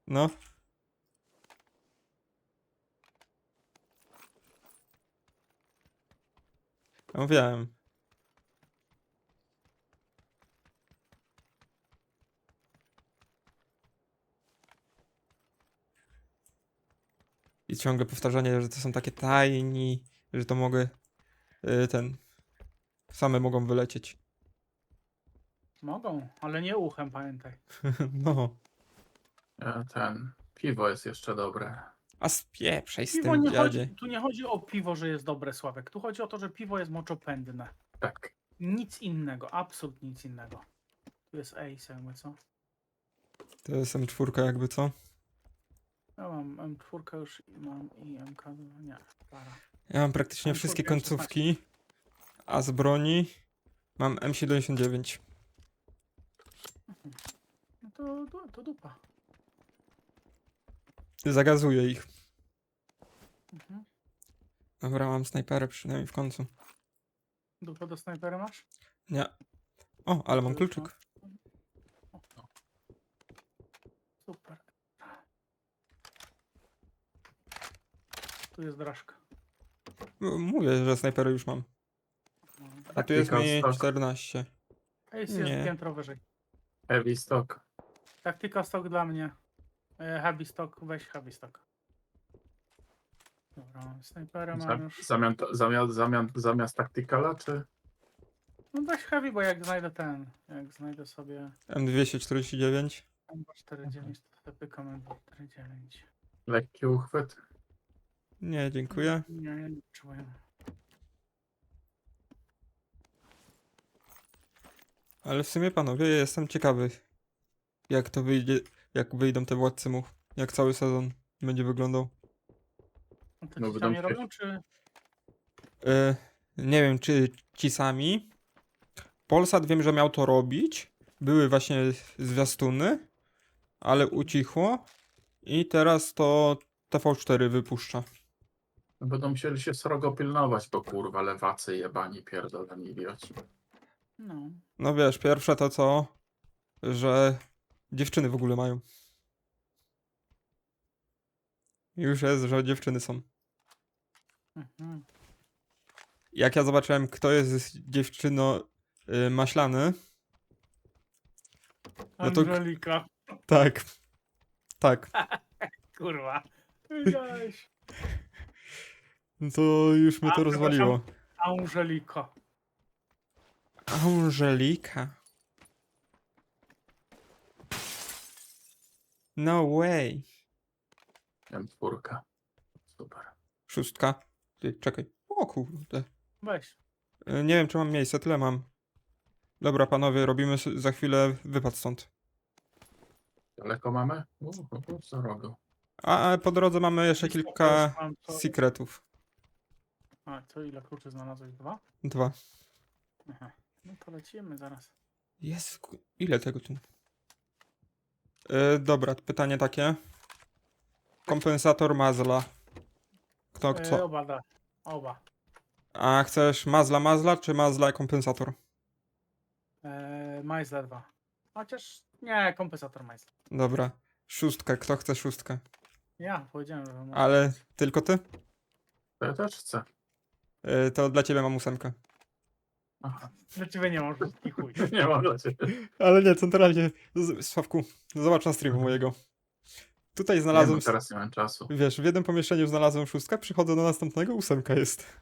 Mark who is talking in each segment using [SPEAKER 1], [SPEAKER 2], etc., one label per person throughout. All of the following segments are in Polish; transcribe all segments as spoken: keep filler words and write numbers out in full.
[SPEAKER 1] No. Ja mówiłem. I ciągle powtarzanie, że to są takie tajni, że to mogę y, ten same mogą wylecieć.
[SPEAKER 2] Mogą, ale nie uchem, pamiętaj.
[SPEAKER 1] No.
[SPEAKER 3] E, Ten, piwo jest jeszcze dobre.
[SPEAKER 1] A spieprzaj z
[SPEAKER 2] Piwo
[SPEAKER 1] tym
[SPEAKER 2] nie
[SPEAKER 1] dziadzie.
[SPEAKER 2] chodzi, tu nie chodzi o piwo, że jest dobre, Sławek. Tu chodzi o to, że piwo jest moczopędne.
[SPEAKER 3] Tak.
[SPEAKER 2] Nic innego, absolutnie nic innego. Tu jest Ace, jakby co?
[SPEAKER 1] To jest M cztery jakby co?
[SPEAKER 2] Ja mam M cztery już i mam i M K dwa, nie, para.
[SPEAKER 1] Ja mam praktycznie
[SPEAKER 2] M cztery
[SPEAKER 1] wszystkie
[SPEAKER 2] M szesnaście.
[SPEAKER 1] końcówki, a z broni mam M siedemdziesiąt dziewięć.
[SPEAKER 2] No to, to, to dupa.
[SPEAKER 1] Zagazuję ich.
[SPEAKER 2] Mhm.
[SPEAKER 1] Dobra, mam snajperę przynajmniej w końcu.
[SPEAKER 2] Dupa do snajpera masz?
[SPEAKER 1] Nie. O, ale mam
[SPEAKER 2] To już
[SPEAKER 1] kluczyk.
[SPEAKER 2] O, super. Tu jest drażka.
[SPEAKER 1] M- Mówię, że snajperę już mam. A tu jest
[SPEAKER 3] Tactical
[SPEAKER 1] mi
[SPEAKER 3] stock.
[SPEAKER 1] czternaście.
[SPEAKER 2] Ace jest
[SPEAKER 1] Nie.
[SPEAKER 2] piętro wyżej.
[SPEAKER 3] Heavy stock.
[SPEAKER 2] Taktyka stock dla mnie. E, Heavy stock, weź heavy stock. Dobra, snajpera mam
[SPEAKER 3] Za-
[SPEAKER 2] już.
[SPEAKER 3] Zamian, zamiast, zamiast, zamiast tacticala, czy?
[SPEAKER 2] No weź heavy, bo jak znajdę ten, jak znajdę sobie
[SPEAKER 1] M dwieście czterdzieści dziewięć.
[SPEAKER 2] M czterdzieści dziewięć, to sobie pykam M czterdzieści dziewięć.
[SPEAKER 3] Lekki uchwyt.
[SPEAKER 1] Nie, dziękuję.
[SPEAKER 2] Nie, nie, nie czuję.
[SPEAKER 1] Ale w sumie panowie, ja jestem ciekawy, jak to wyjdzie, jak wyjdą te władcy much, jak cały sezon będzie wyglądał.
[SPEAKER 2] No to
[SPEAKER 3] No,
[SPEAKER 2] ci
[SPEAKER 3] będą
[SPEAKER 2] sami
[SPEAKER 3] się-
[SPEAKER 2] robią, czy...
[SPEAKER 1] E, nie wiem, czy ci sami. Polsat wiem, że miał to robić. Były właśnie zwiastuny, ale ucichło. I teraz to T V cztery wypuszcza.
[SPEAKER 3] Będą musieli się srogo pilnować, bo kurwa lewacy jebani pierdoleni idioci.
[SPEAKER 2] No.
[SPEAKER 1] No wiesz, pierwsze to co, że dziewczyny w ogóle mają. Już jest, że dziewczyny są.
[SPEAKER 2] Mhm.
[SPEAKER 1] Jak ja zobaczyłem, kto jest dziewczyno y, maślany, No to-
[SPEAKER 2] Angelika.
[SPEAKER 1] tak, tak,
[SPEAKER 2] Kurwa. Wiedziałeś.
[SPEAKER 1] no to już mnie
[SPEAKER 2] A,
[SPEAKER 1] to rozwaliło.
[SPEAKER 2] Angelika.
[SPEAKER 1] Angelika. No way.
[SPEAKER 3] M cztery. Super.
[SPEAKER 1] Szóstka. Ty, czekaj. O kurde.
[SPEAKER 2] Weź.
[SPEAKER 1] Y, Nie wiem, czy mam miejsce, tyle mam. Dobra, panowie, robimy s- za chwilę wypad stąd.
[SPEAKER 3] Daleko mamy? Uuu, za rogu.
[SPEAKER 1] A a po drodze mamy jeszcze
[SPEAKER 2] Listopad
[SPEAKER 1] kilka
[SPEAKER 2] już mam, to-
[SPEAKER 1] secretów.
[SPEAKER 2] A, to ile kluczy znalazłeś? Dwa?
[SPEAKER 1] Dwa.
[SPEAKER 2] Aha. No to lecimy zaraz.
[SPEAKER 1] Jest. Ile tego tu? Y, dobra, pytanie takie. Kompensator mazla. Kto
[SPEAKER 2] E,
[SPEAKER 1] co?
[SPEAKER 2] oba da. Oba.
[SPEAKER 1] A chcesz mazla mazla, czy mazla kompensator?
[SPEAKER 2] E, Majzla dwa. Chociaż nie, kompensator Majzla.
[SPEAKER 1] Dobra. Szóstkę, kto chce szóstkę?
[SPEAKER 2] Ja powiedziałem, że mam.
[SPEAKER 1] Ale tylko ty?
[SPEAKER 3] To ja też chcę.
[SPEAKER 1] Y, to dla ciebie mam ósemkę.
[SPEAKER 3] Aha.
[SPEAKER 2] Dla ciebie nie mam wszystkich chuj.
[SPEAKER 3] Nie mam dla ciebie.
[SPEAKER 1] Ale nie, centralnie. Z- Sławku, zobacz na streamu mojego. Tutaj
[SPEAKER 3] Nie,
[SPEAKER 1] znalazłem.
[SPEAKER 3] bo teraz nie mam czasu.
[SPEAKER 1] Wiesz, w jednym pomieszczeniu znalazłem szóstkę, przychodzę do następnego, ósemka jest.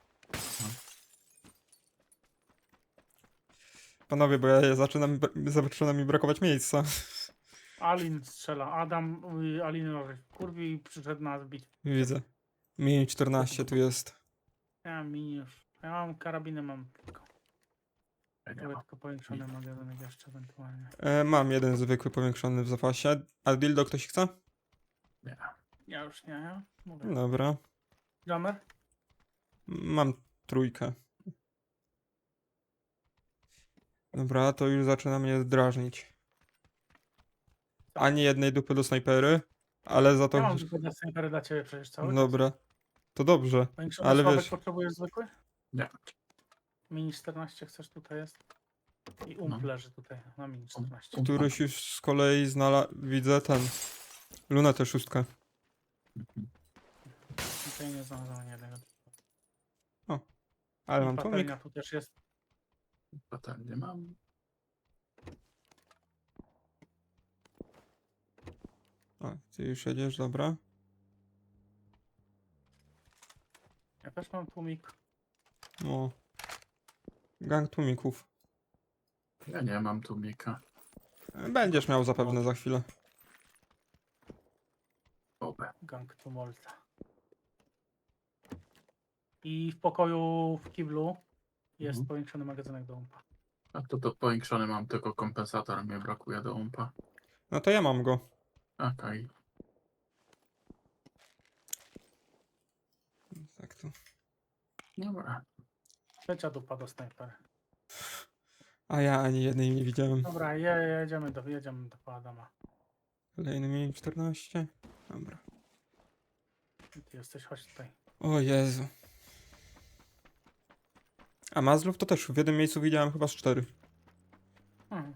[SPEAKER 1] Panowie, bo ja zaczynam, zaczyna mi brakować miejsca.
[SPEAKER 2] Alin strzela. Adam y, Alinowi kurwi i przyszedł nas bić.
[SPEAKER 1] Widzę. Mini czternaście tu jest.
[SPEAKER 2] Ja mam mini już. Ja mam karabiny, mam tylko.
[SPEAKER 3] Ja nie
[SPEAKER 2] Chyba
[SPEAKER 3] mam.
[SPEAKER 2] tylko powiększony magazynek jeszcze ewentualnie.
[SPEAKER 1] E, mam jeden zwykły powiększony w zapasie. A dildo ktoś chce?
[SPEAKER 3] Nie.
[SPEAKER 2] Ja już nie, ja mówię.
[SPEAKER 1] Dobra.
[SPEAKER 2] Jammer?
[SPEAKER 1] Mam trójkę. Dobra, to już zaczyna mnie drażnić. Ani jednej dupy do snajpery, ale za to...
[SPEAKER 2] Ja mam tylko dla snajpery dla ciebie przecież cały czas.
[SPEAKER 1] Dobra. To dobrze.
[SPEAKER 2] Powiększony
[SPEAKER 1] ale
[SPEAKER 2] Sławek
[SPEAKER 1] wiesz-
[SPEAKER 2] potrzebujesz zwykły?
[SPEAKER 3] Nie.
[SPEAKER 2] Mini czternaście chcesz, tutaj jest. I ump
[SPEAKER 3] No.
[SPEAKER 2] leży tutaj na mini czternaście.
[SPEAKER 3] Um-
[SPEAKER 1] Któryś już z kolei znalazł... Widzę ten... Lunetę szóstkę.
[SPEAKER 2] Tutaj nie znalazłem jednego.
[SPEAKER 1] Ale
[SPEAKER 2] I
[SPEAKER 1] mam tłumik.
[SPEAKER 2] patelnia tu też jest.
[SPEAKER 3] Patelnię mam.
[SPEAKER 1] O, ty już jedziesz, dobra.
[SPEAKER 2] Ja też mam tłumik.
[SPEAKER 1] O. Gang tłumików.
[SPEAKER 3] Ja nie mam tłumika.
[SPEAKER 1] Będziesz miał zapewne za chwilę.
[SPEAKER 3] Obę.
[SPEAKER 2] Gang tumulta. I w pokoju w kiblu jest
[SPEAKER 3] Mhm.
[SPEAKER 2] powiększony magazynek do umpa.
[SPEAKER 3] A to do powiększony mam tylko kompensator, mnie brakuje do umpa.
[SPEAKER 1] No to ja mam go.
[SPEAKER 3] Okej.
[SPEAKER 1] Tak to.
[SPEAKER 3] Dobra.
[SPEAKER 2] Trzecia dupa do snajpery.
[SPEAKER 1] A ja ani jednej nie widziałem.
[SPEAKER 2] Dobra, je, jedziemy do, jedziemy do Adama.
[SPEAKER 1] Kolejny mieli czternaście. Dobra.
[SPEAKER 2] Ty jesteś, chodź tutaj.
[SPEAKER 1] O Jezu. A Mazlów to też w jednym miejscu widziałem chyba z cztery.
[SPEAKER 2] Hmm.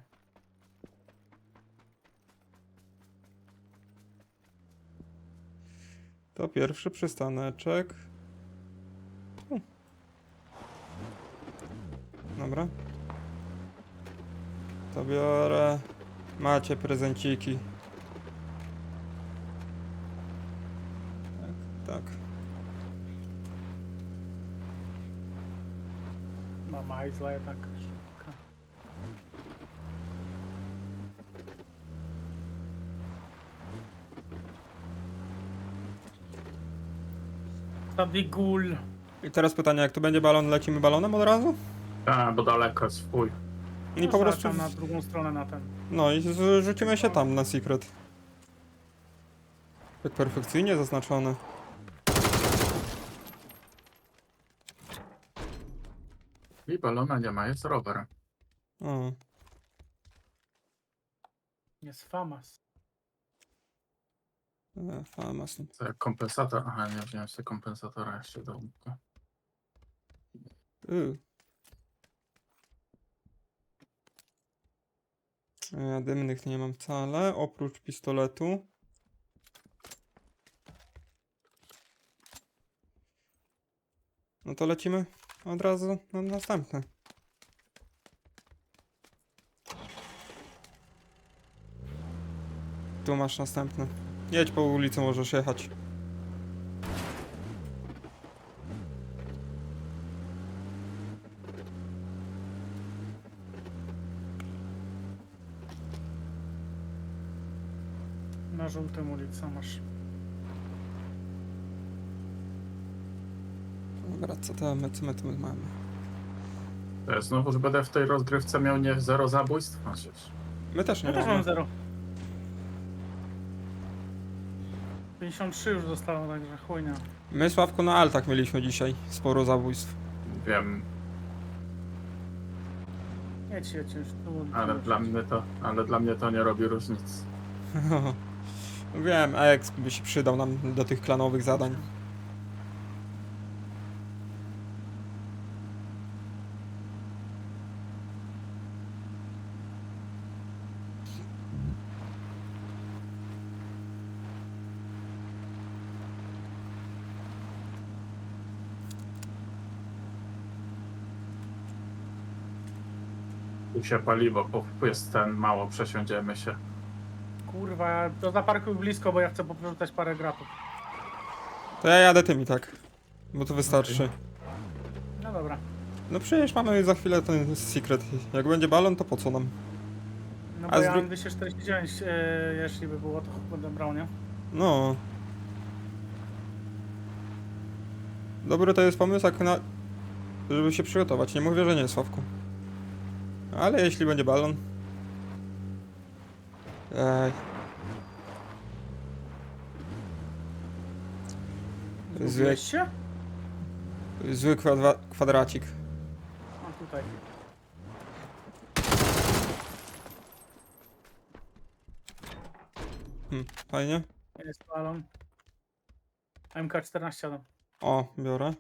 [SPEAKER 1] To pierwszy przystaneczek. U. Dobra. To biorę. Macie prezenciki. Tak, tak.
[SPEAKER 2] Mama Izla jednak szybka. Tadigul.
[SPEAKER 1] I teraz pytanie, jak tu będzie balon, lecimy balonem od razu?
[SPEAKER 3] A, bo daleko jest w chuj.
[SPEAKER 1] I po prostu...
[SPEAKER 2] Tam na drugą stronę na ten.
[SPEAKER 1] No i z- rzucimy się tam na secret. Tak perfekcyjnie zaznaczone.
[SPEAKER 3] I balona nie ma, jest rower.
[SPEAKER 1] O.
[SPEAKER 2] Jest Famas.
[SPEAKER 1] E, Famas.
[SPEAKER 3] Co jak kompensator? Aha, nie wziąłem sobie kompensatora jeszcze do umpa.
[SPEAKER 1] Y. Ja dymnych nie mam wcale, oprócz pistoletu. No to lecimy od razu na następne. Tu masz następne. Jedź po ulicy, możesz jechać.
[SPEAKER 2] Na żółtym ulicy masz.
[SPEAKER 1] Dobra, co to my, co my tu mamy?
[SPEAKER 3] To ja znowu, że będę w tej rozgrywce miał nie zero zabójstw. Chociaż.
[SPEAKER 1] My też nie
[SPEAKER 2] Ja też
[SPEAKER 1] mamy.
[SPEAKER 2] mam zero. pięćdziesiąt trzy już zostało, także chujnia.
[SPEAKER 1] My, Sławku, na altach mieliśmy dzisiaj sporo zabójstw.
[SPEAKER 3] Wiem,
[SPEAKER 2] Jedź, jedź już tu.
[SPEAKER 3] ale
[SPEAKER 2] tu
[SPEAKER 3] dla
[SPEAKER 2] jedź.
[SPEAKER 3] mnie to, ale dla mnie to nie robi różnicy.
[SPEAKER 1] Wiem, Exp by się przydał nam do tych klanowych zadań.
[SPEAKER 3] Tu się paliwo, bo jest ten mało, przesiądziemy się.
[SPEAKER 2] Kurwa, to zaparkuj blisko, bo ja chcę poprzerzucać parę gratów.
[SPEAKER 1] To ja jadę tym i tak. Bo to wystarczy.
[SPEAKER 2] No dobra.
[SPEAKER 1] No przecież mamy za chwilę ten secret. Jak będzie balon, to po co nam?
[SPEAKER 2] No
[SPEAKER 1] A
[SPEAKER 2] bo ja
[SPEAKER 1] zrób-
[SPEAKER 2] mam dwieście czterdzieści dziewięć, e, jeśli by było, to będę brał, nie?
[SPEAKER 1] No. Dobry to jest pomysł, jak na... żeby się przygotować. Nie mówię, że nie, Sławku. Ale jeśli będzie balon... Ej. Zły,
[SPEAKER 2] Zgubiłeś się?
[SPEAKER 1] zły kwadra, kwadracik.
[SPEAKER 2] A tutaj.
[SPEAKER 1] Hm, fajnie.
[SPEAKER 2] Jest balon. M K czternaście Adam.
[SPEAKER 1] O, biorę.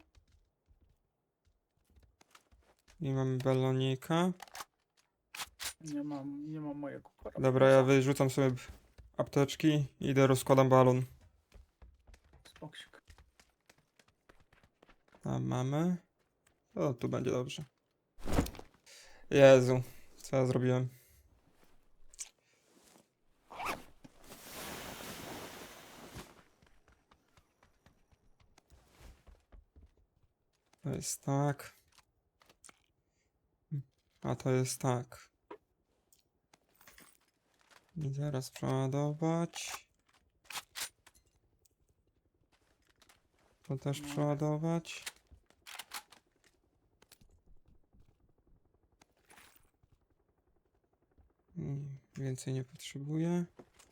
[SPEAKER 1] I mamy balonika.
[SPEAKER 2] Nie mam, nie mam mojego korabla.
[SPEAKER 1] Dobra, ja wyrzucam sobie apteczki, idę, rozkładam balon.
[SPEAKER 2] Spoksik.
[SPEAKER 1] A mamy? O, tu będzie dobrze. Jezu, co ja zrobiłem? To jest tak. A to jest tak. I zaraz przeładować. To też
[SPEAKER 2] No.
[SPEAKER 1] przeładować. Mm, Więcej nie potrzebuję.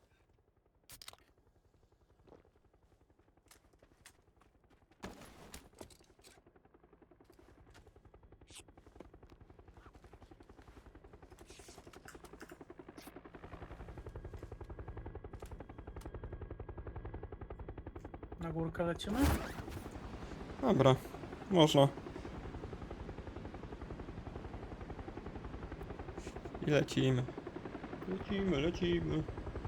[SPEAKER 2] Na górkę lecimy?
[SPEAKER 1] Dobra, można. I lecimy. Lecimy, lecimy.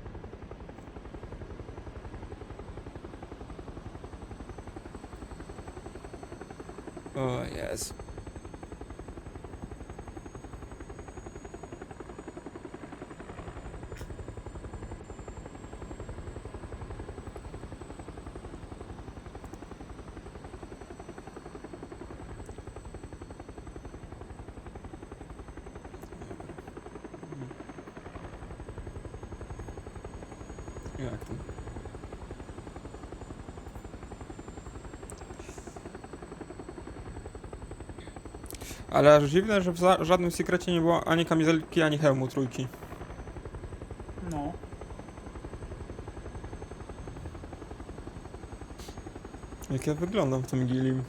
[SPEAKER 1] O Jezu. Jak to? Ale aż dziwne, że w za- żadnym sekrecie nie było ani kamizelki, ani hełmu trójki.
[SPEAKER 2] No.
[SPEAKER 1] Jak ja wyglądam w tym gilim.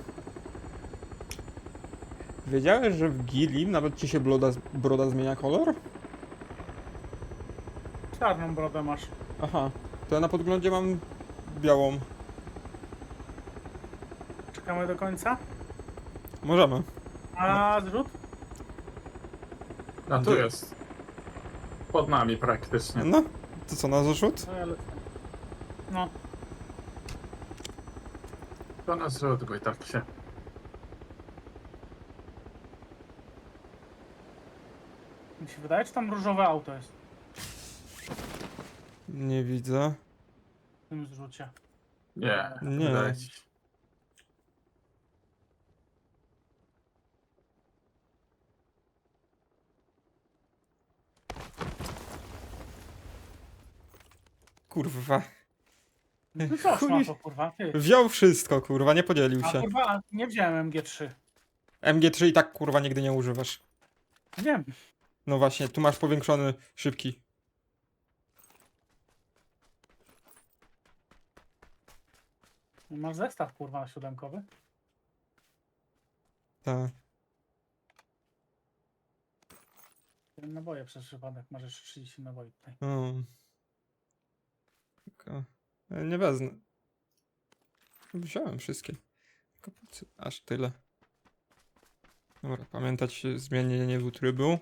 [SPEAKER 1] Wiedziałeś, że w gilim nawet ci się broda, broda zmienia kolor?
[SPEAKER 2] Czarną brodę masz.
[SPEAKER 1] Aha, to ja na podglądzie mam białą.
[SPEAKER 2] Czekamy do końca.
[SPEAKER 1] Możemy.
[SPEAKER 2] A zrzut?
[SPEAKER 3] A tu
[SPEAKER 1] Gdzie?
[SPEAKER 3] jest. Pod nami praktycznie.
[SPEAKER 1] No, to co, na zrzut?
[SPEAKER 2] No ja lecę. No.
[SPEAKER 3] To na zrzut go i tak się.
[SPEAKER 2] Mi się wydaje, czy tam różowe auto jest
[SPEAKER 1] Nie widzę.
[SPEAKER 2] w tym zrzucie.
[SPEAKER 3] Nie,
[SPEAKER 1] Nie.
[SPEAKER 3] wydaje ci się.
[SPEAKER 1] Kurwa.
[SPEAKER 2] No co
[SPEAKER 1] Chuj.
[SPEAKER 2] szmato, kurwa, ty.
[SPEAKER 1] Wziął wszystko, kurwa, nie podzielił
[SPEAKER 2] A
[SPEAKER 1] się.
[SPEAKER 2] kurwa, nie wziąłem M G trzy.
[SPEAKER 1] M G trzy i tak, kurwa, nigdy nie używasz.
[SPEAKER 2] Wiem.
[SPEAKER 1] No właśnie, tu masz powiększony szybki.
[SPEAKER 2] Masz zestaw, kurwa, siódemkowy.
[SPEAKER 1] Tak.
[SPEAKER 2] Naboje przez przypadek, masz jeszcze trzydzieści naboi tutaj.
[SPEAKER 1] O. Tylko... e, Nie wezmę. Wziąłem wszystkie. Tylko po co- aż tyle. Dobra, pamiętać zmienienie trybu.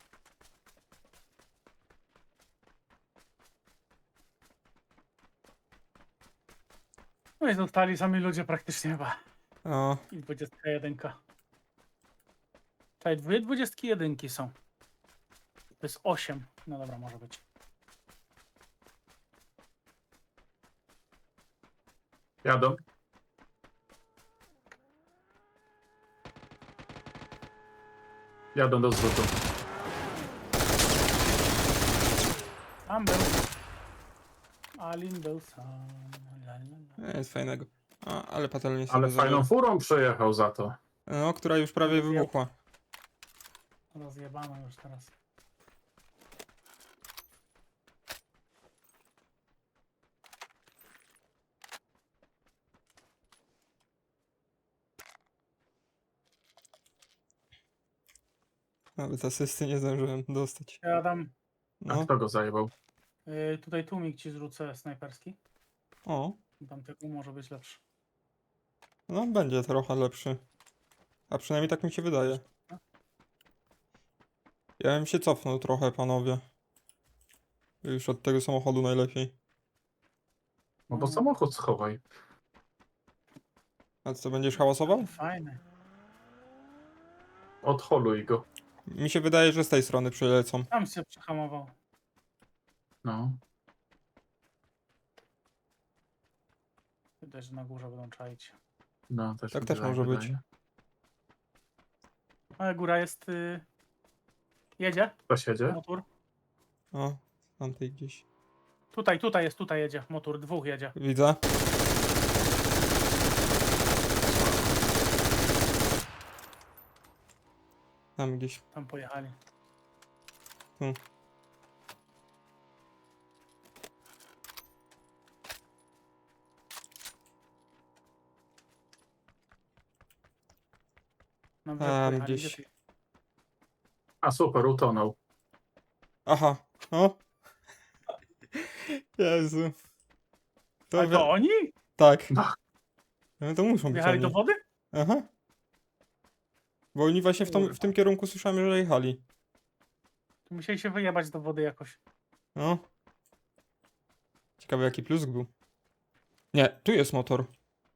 [SPEAKER 2] No i zostali sami ludzie praktycznie chyba.
[SPEAKER 1] O,
[SPEAKER 2] I dwudziestka jeden. Tutaj dwie dwudziestki jedynki są. To jest osiem. No dobra, może być.
[SPEAKER 3] Jadą. Jadą do zrzutu.
[SPEAKER 2] Tam był. Alin był sam. La, la, la.
[SPEAKER 1] nie jest fajnego. A, ale patelnie sobie
[SPEAKER 3] Ale
[SPEAKER 1] zabiorę.
[SPEAKER 3] fajną furą przejechał za to.
[SPEAKER 1] No, która już prawie wybuchła.
[SPEAKER 2] Rozjebano już teraz.
[SPEAKER 1] Nawet asysty nie zdążyłem dostać.
[SPEAKER 2] Ja dam.
[SPEAKER 3] A
[SPEAKER 1] No,
[SPEAKER 3] kto go zajebał?
[SPEAKER 2] Y, tutaj tłumik ci zrzucę snajperski.
[SPEAKER 1] o.
[SPEAKER 2] Tamtego może być lepszy.
[SPEAKER 1] No, będzie trochę lepszy. A przynajmniej tak mi się wydaje. Ja bym się cofnął trochę, panowie. Już od tego samochodu najlepiej.
[SPEAKER 3] No bo
[SPEAKER 2] Mm.
[SPEAKER 3] samochód schowaj.
[SPEAKER 1] A co, będziesz hałasował?
[SPEAKER 2] To fajne.
[SPEAKER 3] Odholuj go.
[SPEAKER 1] Mi się wydaje, że z tej strony przylecą.
[SPEAKER 2] Tam się przehamował.
[SPEAKER 3] No.
[SPEAKER 2] Widać, że na górze będą czaić.
[SPEAKER 3] No, też
[SPEAKER 1] Tak
[SPEAKER 3] mi
[SPEAKER 1] też
[SPEAKER 3] się tak
[SPEAKER 1] może być.
[SPEAKER 3] wydaje.
[SPEAKER 2] Ale góra jest... Y... Jedzie?
[SPEAKER 3] Ktoś jedzie?
[SPEAKER 2] Motor?
[SPEAKER 1] O, tamtej gdzieś.
[SPEAKER 2] Tutaj, tutaj jest, tutaj jedzie. Motor, dwóch jedzie.
[SPEAKER 1] Widzę. Tam gdzieś.
[SPEAKER 2] Tam pojechali.
[SPEAKER 1] Tu.
[SPEAKER 2] Na
[SPEAKER 1] Tam
[SPEAKER 2] brzeg pojechali.
[SPEAKER 1] gdzieś.
[SPEAKER 2] Gdzie ty-
[SPEAKER 3] A super, utonął.
[SPEAKER 1] Aha. O. Jezu. To
[SPEAKER 2] Ale
[SPEAKER 1] wi-
[SPEAKER 2] to oni?
[SPEAKER 1] Tak.
[SPEAKER 3] No.
[SPEAKER 1] No to muszą być
[SPEAKER 2] Wjechali
[SPEAKER 1] oni.
[SPEAKER 2] do wody?
[SPEAKER 1] Aha. Bo oni właśnie w, tą, w
[SPEAKER 2] Kurwa.
[SPEAKER 1] tym kierunku słyszałem, że jechali.
[SPEAKER 2] To musieli się wyjebać do wody jakoś.
[SPEAKER 1] No. Ciekawe jaki plusk był. Nie, tu jest motor.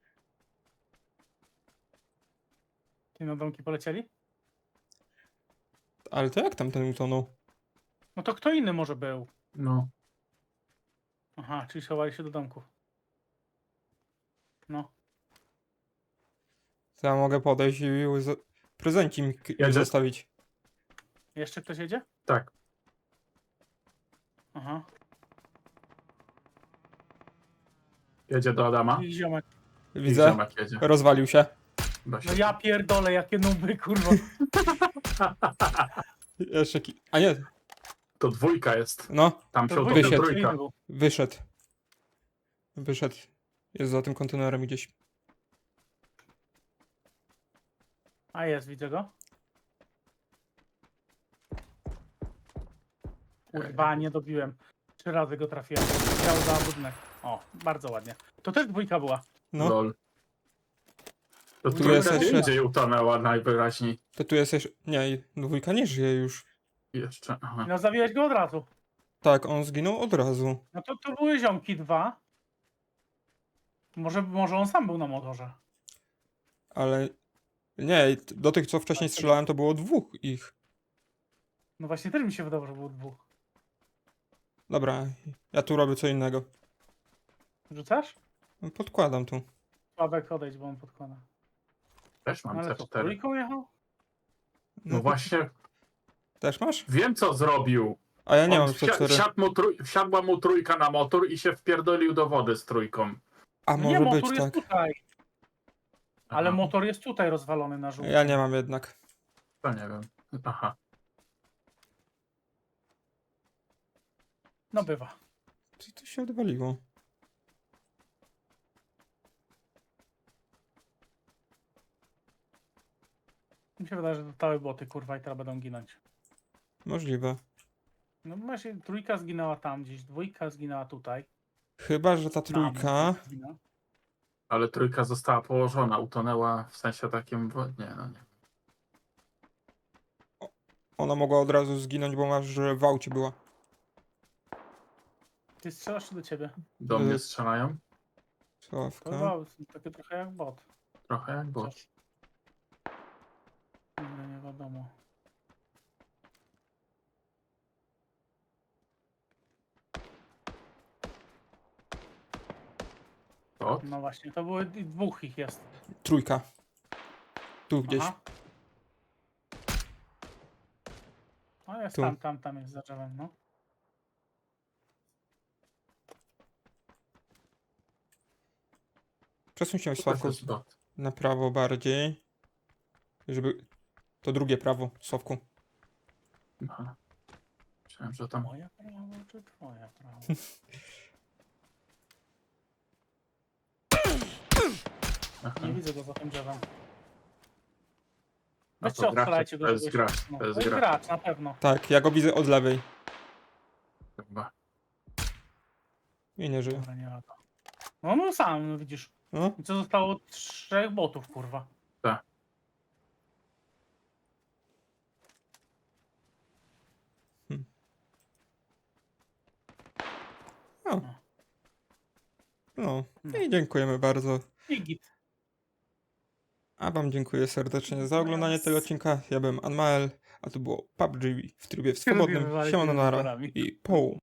[SPEAKER 2] Ty na domki polecieli?
[SPEAKER 1] Ale to jak tam ten utonął?
[SPEAKER 2] No to kto inny może był?
[SPEAKER 3] No.
[SPEAKER 2] Aha, czyli schowali się do domków. No.
[SPEAKER 1] To ja mogę podejść i z- prezencik im k- im
[SPEAKER 3] Jedzie?
[SPEAKER 1] zostawić.
[SPEAKER 2] Jeszcze ktoś jedzie?
[SPEAKER 3] Tak.
[SPEAKER 2] Aha.
[SPEAKER 3] Jedzie do Adama.
[SPEAKER 2] I ziomek.
[SPEAKER 3] I
[SPEAKER 1] Widzę.
[SPEAKER 3] ziomek jedzie.
[SPEAKER 1] Rozwalił się.
[SPEAKER 3] Da się.
[SPEAKER 2] No ja pierdolę, jakie nuby, kurwa.
[SPEAKER 1] Jeszcze ki... A nie,
[SPEAKER 3] To dwójka jest.
[SPEAKER 1] no,
[SPEAKER 3] Tam
[SPEAKER 2] To
[SPEAKER 3] się
[SPEAKER 2] dwójka,
[SPEAKER 3] utopił
[SPEAKER 1] wysiadł.
[SPEAKER 2] to
[SPEAKER 3] trójka.
[SPEAKER 2] inny był.
[SPEAKER 1] wyszedł. Wyszedł. Jest za tym kontenerem gdzieś.
[SPEAKER 2] A jest, widzę go. Kurwa, nie dobiłem. Trzy razy go trafiłem. Chciał za budynek. O, bardzo ładnie. To też dwójka była.
[SPEAKER 1] No,
[SPEAKER 3] Lol. To
[SPEAKER 1] Tu
[SPEAKER 3] trójka
[SPEAKER 1] jest
[SPEAKER 3] gdzie
[SPEAKER 1] jeszcze-
[SPEAKER 3] indziej utonęła najwyraźniej.
[SPEAKER 1] to tu jest jeszcze... Nie, dwójka nie żyje już.
[SPEAKER 3] Jeszcze. Aha.
[SPEAKER 2] No zabiłeś go od razu.
[SPEAKER 1] Tak, on zginął od razu.
[SPEAKER 2] No to, to były ziomki dwa. Może, może on sam był na motorze.
[SPEAKER 1] Ale... Nie, do tych co wcześniej strzelałem to było dwóch ich.
[SPEAKER 2] No właśnie też mi się wydawało, że było dwóch.
[SPEAKER 1] Dobra, ja tu robię co innego.
[SPEAKER 2] Rzucasz?
[SPEAKER 1] Podkładam tu.
[SPEAKER 2] Sławek, odejdź, bo on podkłada.
[SPEAKER 3] Też
[SPEAKER 2] No
[SPEAKER 3] mam
[SPEAKER 2] ale
[SPEAKER 3] C
[SPEAKER 2] to
[SPEAKER 3] cztery.
[SPEAKER 2] trójką jechał?
[SPEAKER 3] No właśnie,
[SPEAKER 1] Też masz?
[SPEAKER 3] wiem co zrobił.
[SPEAKER 1] A ja nie
[SPEAKER 3] On
[SPEAKER 1] mam
[SPEAKER 3] wsia-
[SPEAKER 1] C cztery.
[SPEAKER 3] wsiadł mu trój- wsiadła mu trójka na motor i się wpierdolił do wody z trójką.
[SPEAKER 1] A
[SPEAKER 2] No
[SPEAKER 1] może
[SPEAKER 2] nie,
[SPEAKER 1] być
[SPEAKER 2] motor jest
[SPEAKER 1] tak.
[SPEAKER 2] tutaj. Ale
[SPEAKER 3] Aha.
[SPEAKER 2] motor jest tutaj rozwalony na żółto.
[SPEAKER 1] Ja nie mam jednak.
[SPEAKER 3] To nie wiem. Aha.
[SPEAKER 2] No bywa.
[SPEAKER 1] Co to się odwaliło?
[SPEAKER 2] Mi się wydaje, że zostały boty, kurwa, i teraz będą ginąć.
[SPEAKER 1] Możliwe.
[SPEAKER 2] No właśnie, trójka zginęła tam gdzieś, dwójka zginęła tutaj.
[SPEAKER 1] Chyba, że ta
[SPEAKER 2] Na,
[SPEAKER 1] trójka...
[SPEAKER 2] zginęła.
[SPEAKER 3] Ale trójka została położona, utonęła w sensie takim. w- Nie, no nie.
[SPEAKER 1] Ona mogła od razu zginąć, bo masz, że w aucie była.
[SPEAKER 2] Ty strzelasz czy do ciebie?
[SPEAKER 3] Do
[SPEAKER 1] Y-
[SPEAKER 3] mnie strzelają.
[SPEAKER 2] To
[SPEAKER 1] Sławka.
[SPEAKER 2] chyba takie trochę jak bot.
[SPEAKER 3] Trochę jak bot.
[SPEAKER 2] Chociaż- Nigdy nie wiadomo.
[SPEAKER 3] Bot?
[SPEAKER 2] No właśnie, to były i dwóch ich jest.
[SPEAKER 1] Trójka. Tu gdzieś.
[SPEAKER 2] Aha. No jest
[SPEAKER 1] Tu.
[SPEAKER 2] tam, tam, tam jest za drzewem, no.
[SPEAKER 1] Przesuń się
[SPEAKER 3] To
[SPEAKER 1] Sławku
[SPEAKER 3] jest bot.
[SPEAKER 1] na prawo bardziej. Żeby... To drugie prawo, Sławku.
[SPEAKER 3] Aha. Myślałem, że tam.
[SPEAKER 2] Moja prawo czy twoja prawo?
[SPEAKER 3] Aha.
[SPEAKER 2] Nie widzę go za tym drzewem.
[SPEAKER 3] No
[SPEAKER 2] Weźcie,
[SPEAKER 3] to gracz,
[SPEAKER 2] odstrzelajcie go.
[SPEAKER 3] to jest
[SPEAKER 2] żebyś-
[SPEAKER 3] gracz,
[SPEAKER 2] No,
[SPEAKER 3] to jest
[SPEAKER 2] to jest
[SPEAKER 3] gracz.
[SPEAKER 2] gracz, na pewno.
[SPEAKER 1] Tak, ja go widzę od lewej.
[SPEAKER 3] Chyba.
[SPEAKER 1] I nie żyje.
[SPEAKER 2] Dobra, nie lata. No no sam, no widzisz.
[SPEAKER 1] No,
[SPEAKER 2] I co zostało? Trzech botów, kurwa.
[SPEAKER 1] o. No,
[SPEAKER 2] No.
[SPEAKER 1] i dziękujemy bardzo.
[SPEAKER 2] I git.
[SPEAKER 1] A wam dziękuję serdecznie za oglądanie tego odcinka. Ja byłem Anmael, a to było P U B G w trybie
[SPEAKER 2] Lubię
[SPEAKER 1] swobodnym.
[SPEAKER 2] wywalić
[SPEAKER 1] Siemano
[SPEAKER 2] tymi
[SPEAKER 1] nara
[SPEAKER 2] wyborami.
[SPEAKER 1] i poł.